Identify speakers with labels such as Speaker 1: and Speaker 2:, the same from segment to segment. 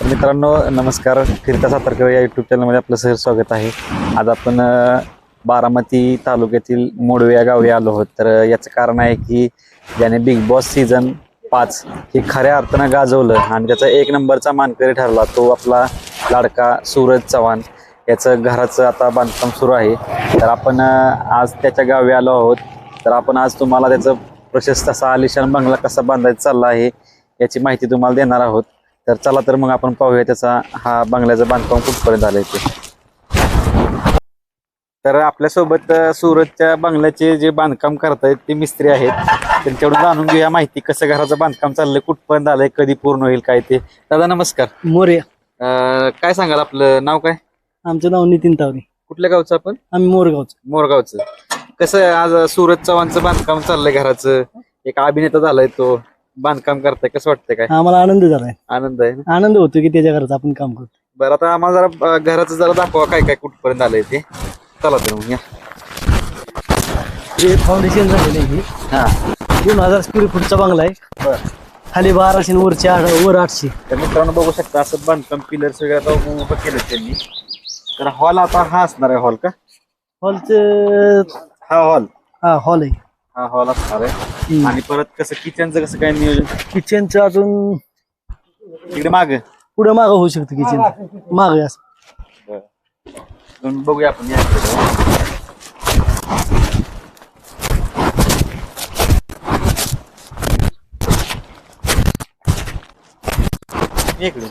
Speaker 1: मित्रांनो नमस्कार. फिरता सातारकर या यूट्यूब चॅनलमध्ये आपलं सहर्ष स्वागत आहे. आज आपण बारामती तालुक्यातील मोडवे या गावी आलो आहोत. तर याचं कारण आहे की ज्याने बिग बॉस सीझन 5 हे खऱ्या अर्थानं गाजवलं आणि त्याचा एक नंबरचा मानकरी ठरला तो आपला लाडका सूरज चव्हाण. याचं घराचं आता बांधकाम सुरू आहे. तर आपण आज त्याच्या गावी आलो आहोत. तर आपण आज तुम्हाला त्याचं प्रशस्त असा आलिशान बंगला कसा बांधायचा चालला आहे याची माहिती तुम्हाला देणार आहोत. तर चला तर मग आपण पाहूया त्याचा हा बंगल्याचं बांधकाम कुठपर्यंत आलंय ते. तर आपल्यासोबत सूरजच्या बंगल्याचे जे बांधकाम करतायत ते मिस्त्री आहेत. त्यांच्याकडून जाणून घेऊया माहिती कसं घराचं बांधकाम चाललंय, कुठपर्यंत आलंय, कधी पूर्ण होईल काय ते. दादा नमस्कार.
Speaker 2: मोरे.
Speaker 1: काय सांगाल, आपलं नाव काय?
Speaker 2: आमचं नाव नितीन तावरे.
Speaker 1: कुठल्या गावचं आपण?
Speaker 2: आम्ही मोरगावचं.
Speaker 1: मोरगावचं. कसं आहे आज सूरज चव्हाणचं बांधकाम चाललंय घराचं, एक अभिनेता झालाय तो, बांधकाम करताय, कसं वाटतंय? काय
Speaker 2: आम्हाला आनंद झालाय.
Speaker 1: आनंद आहे ना?
Speaker 2: आनंद होतो की त्याच्या घरात आपण काम करतो.
Speaker 1: बरं, आता आम्हाला जरा घराचं जरा दाखवा काय काय कुठपर्यंत आलंय ते. चला तर मग या.
Speaker 2: जे फाउंडेशन झालेलं आहे
Speaker 1: हा
Speaker 2: 2000 स्क्वेअर फूटचा बंगला आहे.
Speaker 1: बरं.
Speaker 2: खाली 1200 आणि वर 800.
Speaker 1: तर मित्रांनो बघू शकता असं बांधकाम पिलर्स वगैरे आता उभं केलं त्यांनी. तर हॉल आता हा असणार आहे. हॉल का?
Speaker 2: हॉलचं
Speaker 1: हा हॉल.
Speaker 2: हा हॉल आहे.
Speaker 1: हा हॉल असणार आहे. आणि परत कसं किचनचं कसं काय नियोजन?
Speaker 2: किचनचं अजून
Speaker 1: इकडे माग
Speaker 2: पुढे मागं होऊ शकतं. किचन मागं असं.
Speaker 1: बघूया आपण या इकडे. इकडे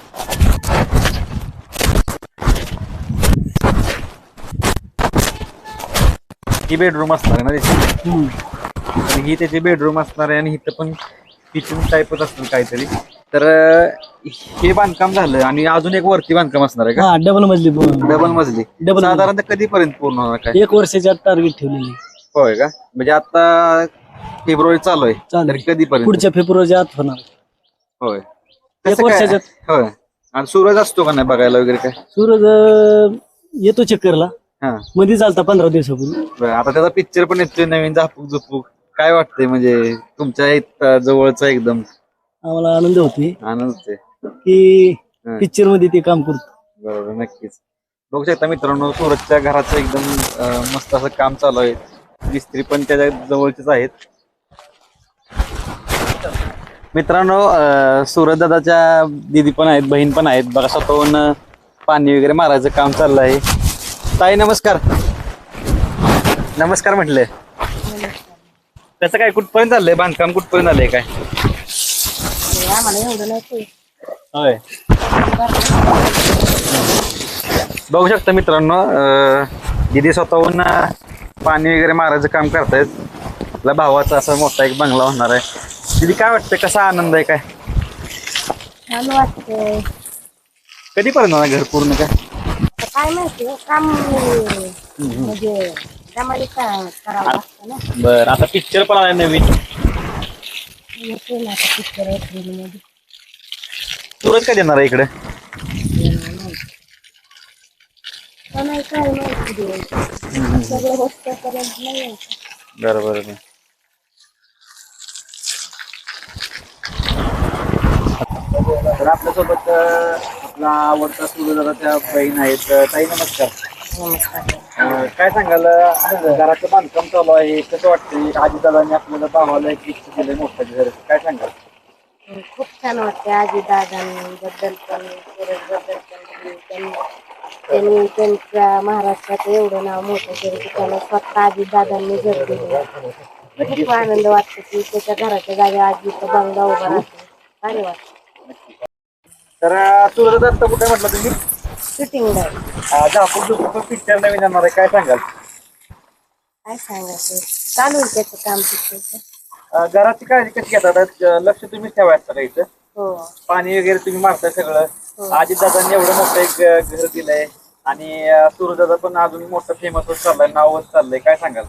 Speaker 1: ही बेडरूम असणार आहे ना त्याची. आणि ही त्याची बेडरूम असणार आहे आणि इथं पण किचन टाईपच असणार काहीतरी. तर हे बांधकाम झालं आणि अजून एक वरती बांधकाम असणार आहे का?
Speaker 2: हा डबल मजली.
Speaker 1: डबल मजली. साधारणतः कधीपर्यंत पूर्ण होणार काय?
Speaker 2: 1 वर्षाच्या टार्गेट ठेवलेली.
Speaker 1: होय का? म्हणजे आता फेब्रुवारी चालू आहे. तर कधीपर्यंत?
Speaker 2: पुढच्या फेब्रुवारीच्या आत होणार.
Speaker 1: होय
Speaker 2: 1 वर्षाच्या.
Speaker 1: होय. आणि सूरज असतो का नाही बघायला वगैरे काय?
Speaker 2: सूरज येतो चक्करला.
Speaker 1: हा
Speaker 2: मध्ये चालता 15 दिवसापूर्वी.
Speaker 1: बरं, आता त्याचा पिक्चर पण येतोय नवीन, झापूक झुपूक. काय वाटतंय म्हणजे तुमच्या इथं जवळचा एकदम?
Speaker 2: आम्हाला आनंद होतोय
Speaker 1: आनंद आहे
Speaker 2: की पिक्चर मध्ये ते काम करतो.
Speaker 1: बरोबर, नक्कीच. बघू शकता मित्रांनो सूरजच्या घराचं एकदम मस्त असं काम चालू आहे. मिस्त्री पण त्याच्या जवळचेच आहेत. मित्रांनो सूरज दादाच्या दीदी पण आहेत, बहीण पण आहेत. बघा स्वतःहून पाणी वगैरे मारायचं काम चाललं आहे. ताई नमस्कार. नमस्कार म्हटले. कसं काय कुठपर्यंत चाललंय बांधकाम, कुठपर्यंत आलंय काय? होय. बघू शकता मित्रांनो दीदी स्वतःहून पाणी वगैरे मारायचं काम करतायत. आपल्या भावाचा असा मोठा एक बंगला होणार आहे. दीदी काय वाटतंय, कसा आनंद आहे? काय
Speaker 3: छान वाटतंय.
Speaker 1: कधीपर्यंत होणार घर पूर्ण?
Speaker 3: काय माहिती काम म्हणजे त्यामध्ये करावं लागतं ना.
Speaker 1: बरं, आता पिक्चर पण आलाय नवीन.
Speaker 3: येते ना आता पिक्चर एप्रिलमध्ये.
Speaker 1: सूरज काय देणार आहे इकडे?
Speaker 3: नाही काय माहिती द्यायचं. सगळं होतपर्यंत नाही यायचं.
Speaker 1: बरोबर. तर आपल्यासोबत आपला आवडता सूर्यदादाच्या बहीण आहेत. ताई नमस्कार.
Speaker 3: नमस्कार.
Speaker 1: काय सांगाल, घराचं बांधकाम चालू आहे, कसं वाटतंय? आजीदादांनी आपल्याला भावाला एक गिफ्ट दिलंय मोठं घर, काय सांगाल?
Speaker 3: खूप छान वाटते. आजी दादांबद्दल पण सूरजबद्दल पण त्यांनी त्यांच्या महाराष्ट्रात एवढं नाव मोठं केलं की त्याला स्वतः आजी दादांनी घर दिलं. खूप आनंद वाटतो की त्याच्या घराच्या जागी आजीचा बंगला उभा राहतो. भारी वाटतं.
Speaker 1: तर सूर्यदादा आता कुठे म्हटलं तुम्ही?
Speaker 3: शूटिंग
Speaker 1: झापूक पिक्चर नवीन येणार आहे, काय सांगाल?
Speaker 3: काय सांगायचं, चालू आहे त्याचं काम पिक्चरचं.
Speaker 1: घराची काळजी कशी घेतात? लक्ष तुम्ही ठेवायचं का इथं?
Speaker 3: हो.
Speaker 1: पाणी वगैरे तुम्ही मारताय सगळं. आजीदादांनी एवढं मोठं एक घर दिलंय आणि सूर्यदादा पण अजून मोठं फेमस होत चाललंय, नाव होत चाललंय, काय सांगाल?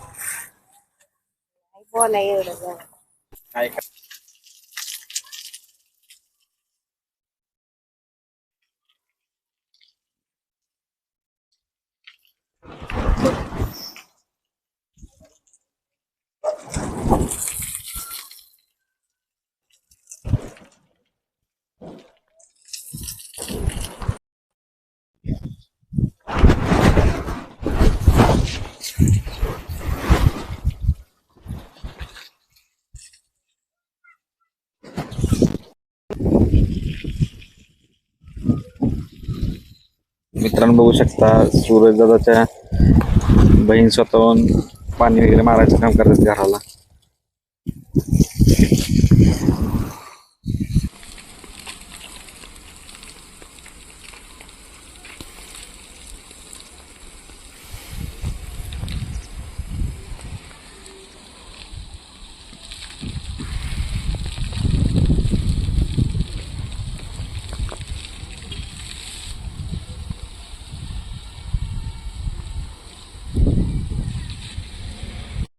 Speaker 3: बोला एवढं
Speaker 1: काय मित्रांनो बघू शकता सूरज दादाच्या बहीण स्वतःहून पाणी वगैरे मारायचं काम करतात घराला.